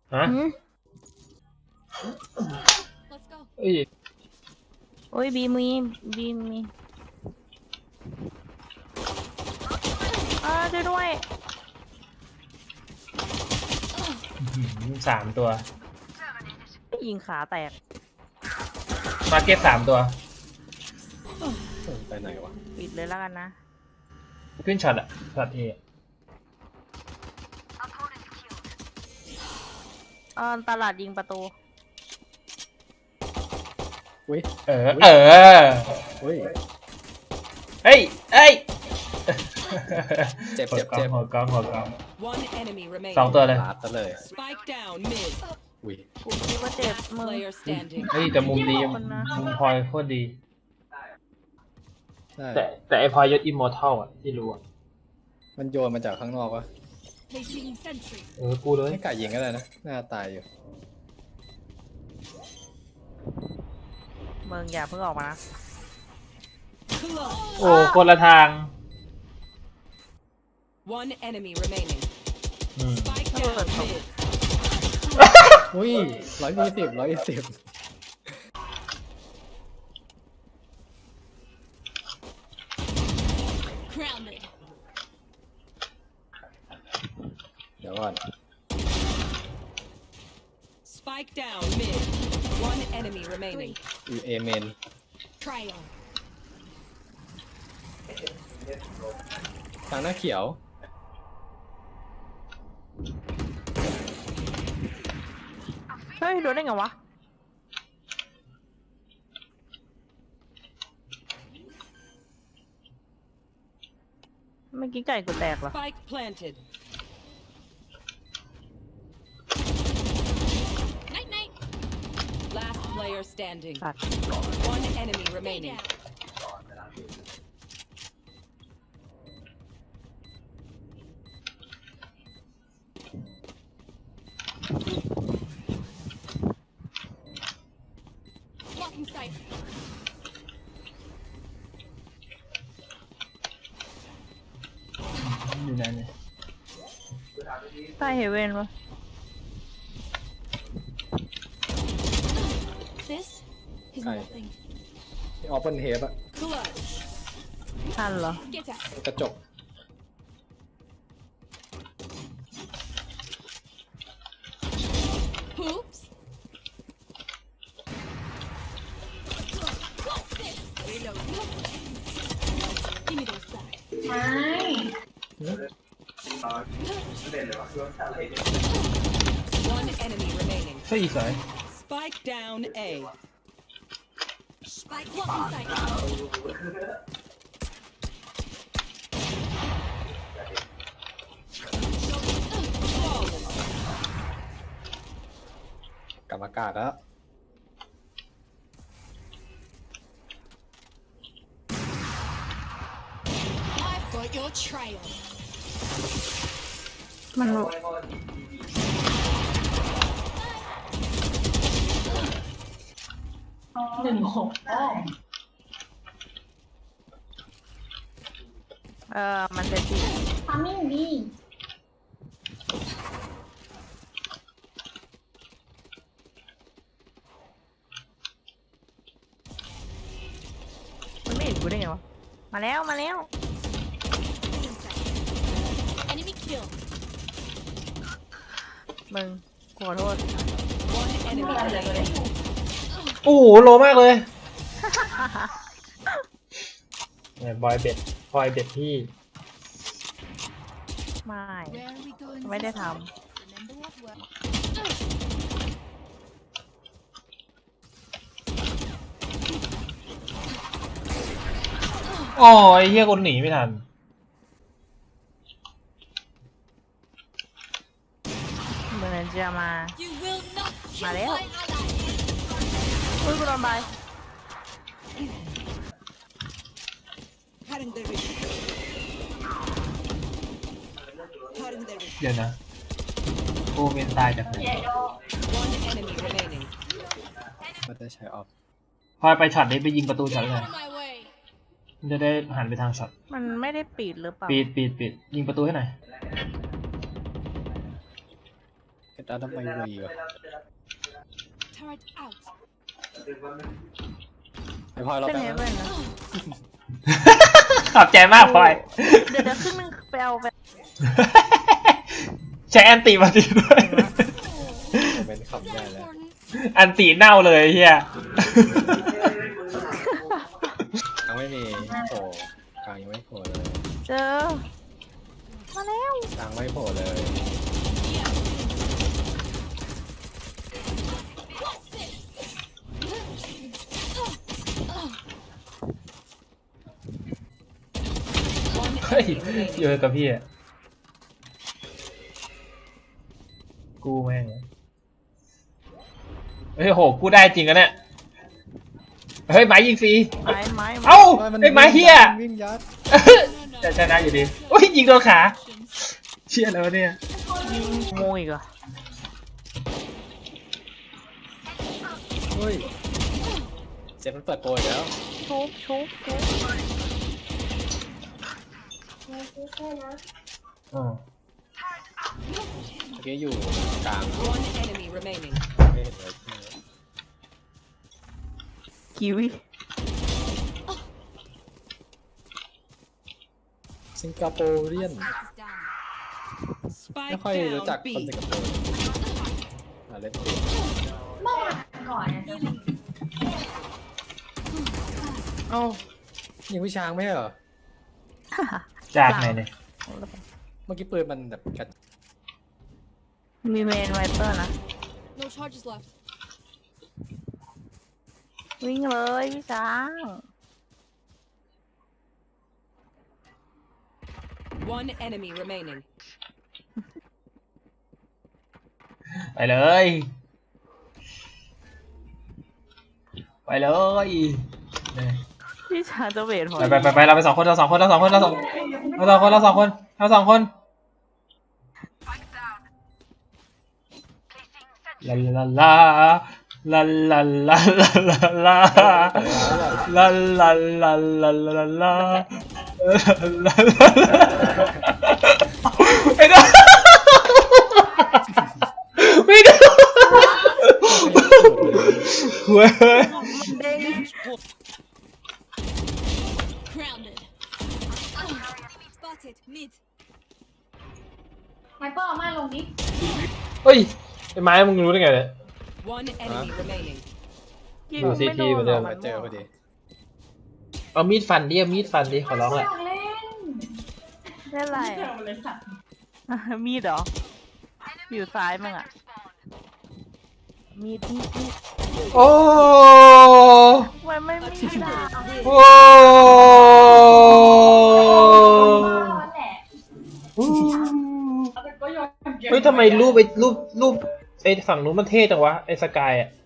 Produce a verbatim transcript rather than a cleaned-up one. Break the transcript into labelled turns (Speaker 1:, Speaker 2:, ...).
Speaker 1: ฮะ
Speaker 2: หืม
Speaker 1: เอ้ย
Speaker 2: โอ้ยบีมีบีมีอ่าช่วยด้วย
Speaker 1: อื้อหือสามตัว
Speaker 2: ยิงขาแตก
Speaker 1: มาเก็ตสามตัว
Speaker 3: ไปไหนวะ
Speaker 2: ปิดเลยแล้วกันนะ
Speaker 1: ขึ้นช็อตอะช็อตเอ
Speaker 2: เออตลาดยิงประตู
Speaker 3: อุ้ย
Speaker 1: เออ เออ
Speaker 3: อุ้ย
Speaker 1: เฮ้ยเฮ้ย
Speaker 3: เจ็บ
Speaker 1: หัว
Speaker 3: เจ็บ
Speaker 1: กล้อ
Speaker 3: เจ็
Speaker 1: ง
Speaker 3: บ
Speaker 1: หัวกล้องหัวกล้อง
Speaker 4: One enemy remaining.
Speaker 1: สองตัวเลย
Speaker 3: ลาดซะเลย
Speaker 4: Spike down mid.
Speaker 3: อุ้ย
Speaker 2: กูคิดว่าเจ็บ
Speaker 4: Last
Speaker 2: มึง
Speaker 4: player standing.
Speaker 1: เฮ้ยแต่มุมดี
Speaker 2: ขอบคุณนะ
Speaker 1: มุมพลอยโคตรดี
Speaker 3: ใช่
Speaker 1: แต่แต่ไอพลอยยศอิมมอร์ทัลอะที่รู้อะ
Speaker 3: มันโยนมาจากข้างนอกวะ
Speaker 5: Placing sentry.
Speaker 1: เออ กูเลย
Speaker 3: ให้กายิงก็ได้นะหน้าตายอยู่
Speaker 2: มึงอย่าเพิ่งออกมานะ
Speaker 4: Close.
Speaker 1: โอ้คนละทาง
Speaker 4: One enemy remaining.
Speaker 1: อืม
Speaker 4: Spike
Speaker 2: Oh,
Speaker 4: down
Speaker 2: that's
Speaker 4: mid.
Speaker 3: อุ้ยร้อยยี่สิบร้อยยี่สิบ
Speaker 5: Grounded.
Speaker 3: เดี๋ยวก่อน
Speaker 4: Spike down mid. One enemy remaining.
Speaker 3: อีเอเมน
Speaker 5: Trial.
Speaker 3: ทางหน้าเขียว
Speaker 2: เฮ้ยโดนได้ไงวะ เมื่อกี้ไก่กูแตกเหรอ
Speaker 4: Spike planted.
Speaker 5: Night night.
Speaker 4: Last player standing.
Speaker 2: สัตว์
Speaker 4: One enemy
Speaker 5: Stay
Speaker 4: remaining.
Speaker 5: down. Blocking sight.
Speaker 1: อยู่ไหนเนี่ย
Speaker 2: ใต้เฮเว่นวะ
Speaker 5: This is
Speaker 3: Aye.
Speaker 5: nothing.
Speaker 3: ที่ออปเปิลเฮปอะ
Speaker 4: Clutch.
Speaker 2: ทันเหรอ
Speaker 5: Get out.
Speaker 3: กระจก
Speaker 5: Hoops. What's this? Reload. Give me those back.
Speaker 6: ไม่
Speaker 4: One enemy remaining.
Speaker 1: เฮ้ยสวย
Speaker 4: Spike down A.
Speaker 5: Spike blocking sight.
Speaker 3: กลับอากาศแล้ว
Speaker 5: I've got your trail.
Speaker 2: มัน
Speaker 6: หนึ่งหกอ้อม
Speaker 2: เออมันจะจี
Speaker 6: ทำมิ่งดี
Speaker 2: มันไม่เห็นกูได้ไงวะ มาแล้วมาแล้ว
Speaker 5: Enemy kill.
Speaker 2: มึงขอโทษ
Speaker 4: One enemy remaining.
Speaker 1: โอ้โหโลมากเลยเนี่ยบอยเบ็ดพลอยเบ็ดพี่
Speaker 2: ไม่
Speaker 5: Where are we going?
Speaker 2: ไม่ได้ท
Speaker 5: Remember what worked.
Speaker 1: โอ้ยเฮียคนหนีไม่ทัน
Speaker 2: ำเหมือนจะมา
Speaker 5: You will not kill
Speaker 2: Mà
Speaker 5: my
Speaker 2: đéo.
Speaker 5: ally.
Speaker 2: อุ้ยกูโดนใบ
Speaker 4: Cutting the reach. Cutting the reach.
Speaker 1: เดี๋ยวนะโอเมนตายจากไหน
Speaker 4: One enemy remaining.
Speaker 3: ก็ได้ใช้ออฟ
Speaker 1: พลอยไปช็อตนี้ไปยิงประตูช็อตเลย
Speaker 5: Out of my way.
Speaker 1: มันจะได้หันไปทางช็อต
Speaker 2: มันไม่ได้ปิดหรือเปล่า
Speaker 1: ปิดปิดปิดยิงประตูให้หน่อย
Speaker 3: ด้านทำไมวีวะ
Speaker 5: Turret out.
Speaker 3: ไอพลอยเรา
Speaker 2: เป็น
Speaker 3: ไป
Speaker 2: ไง
Speaker 3: นะ
Speaker 2: เว้ยนะ
Speaker 1: ขอบใจมากพลอย
Speaker 2: เดี๋ยวเดี๋ยวขึ้นนึงไปเอาไป
Speaker 1: ใช้แอนติมาตีด้วย
Speaker 3: เป็นคำได้แล้ว
Speaker 1: อันตีเน่าเลยเฮีย
Speaker 3: ยังไม่มีโผล่กลางยังไม่โผล่เลย
Speaker 2: เจอ มาแล้ว
Speaker 3: กลางไม่โผล่เลย
Speaker 1: เฮ้ยเยอะกับพี่อะกูแม่งเฮ้ยโหกูได้จริงกันเนี่ยเฮ้ยไม้ยิงฟรี
Speaker 2: ไม้ไม้ไม้
Speaker 1: เอ้าไอ้ไม้เฮีย
Speaker 3: วิ่งยัด
Speaker 1: จะชนะอยู่ดีโอ้ยยิงโดนขาเชี่ยแล้วะเนี่ย
Speaker 2: ยิงโมอีกเหรอ
Speaker 3: เฮ้ยเจ็บมันเปิดโปรอีกแล้ว
Speaker 2: ชุบชุบชุบ
Speaker 1: อ๋อ
Speaker 3: เมื่อกี้อยู่กลาง
Speaker 4: One enemy remaining.
Speaker 3: ไม่เห็นเลย
Speaker 2: คิวิ
Speaker 3: สิงคโปร์เรียน
Speaker 5: Spike is down.
Speaker 3: ไม่
Speaker 4: Spike
Speaker 3: ค่อยรู้จัก
Speaker 4: down
Speaker 3: คนสิ
Speaker 4: B.
Speaker 3: งคโปร์มาเล่นเกม
Speaker 6: เมื่อวานก่อนเนี่ยจะ
Speaker 3: เอ้ายิงผู้ช้างไม่ใช่เหรอ
Speaker 1: จากไหนเนี่ย
Speaker 3: เมื่อกี้ปืนมันแบบกัด
Speaker 2: มีเมนไวเปอร์นะ
Speaker 5: No charges left.
Speaker 2: วิ่งเลยพี่ช้าง
Speaker 4: One enemy remaining.
Speaker 1: ไปเลยไปเลยเนี่ย
Speaker 2: พี่ช้างจะเวทพอ
Speaker 1: ไปไปไปไปเราไปสองคนเราสองคนเราสองคนเราสองเราสองคนเราสองคนเราสองคนลาลาลาลาลาลาลาลาลาลาลาลาลาลาลาไม่ได้ไม่ได้เว้ย
Speaker 2: เด้ง
Speaker 5: Grounded. Spotted. Mid.
Speaker 6: ไมเปอร์เอามาลงดิ
Speaker 1: เฮ้ยไอ้ไม้มึงรู้ได้ไงเนี่ย
Speaker 4: One enemy remaining.
Speaker 2: ยิง
Speaker 1: ดู
Speaker 2: ไม่
Speaker 1: ซี
Speaker 2: โด
Speaker 1: ที
Speaker 2: น
Speaker 1: เหมือน
Speaker 2: หร
Speaker 1: เดิ
Speaker 2: อก
Speaker 1: ม
Speaker 2: มั
Speaker 3: มาน เจอพอดี
Speaker 1: เอามีดฟันดิเอามีดฟันดิขอร้องแหละ
Speaker 6: อยากเล่น
Speaker 2: เล่นอะไร
Speaker 6: เจอมาเลยสัตว์
Speaker 2: อะ มีดเหรอ อยู่ซ้ายมึงอ่ะ มีดมีดมีด
Speaker 1: โอ้
Speaker 2: มันไม่มีดา
Speaker 1: โอ้
Speaker 6: นั่นแหละแต่ก็โยนเก็บ
Speaker 1: เฮ้ยทำไมรูปไอ้รูปรูปไอ้ฝั่งนู้นมันเท่จังวะไอ้สกายอ่ะ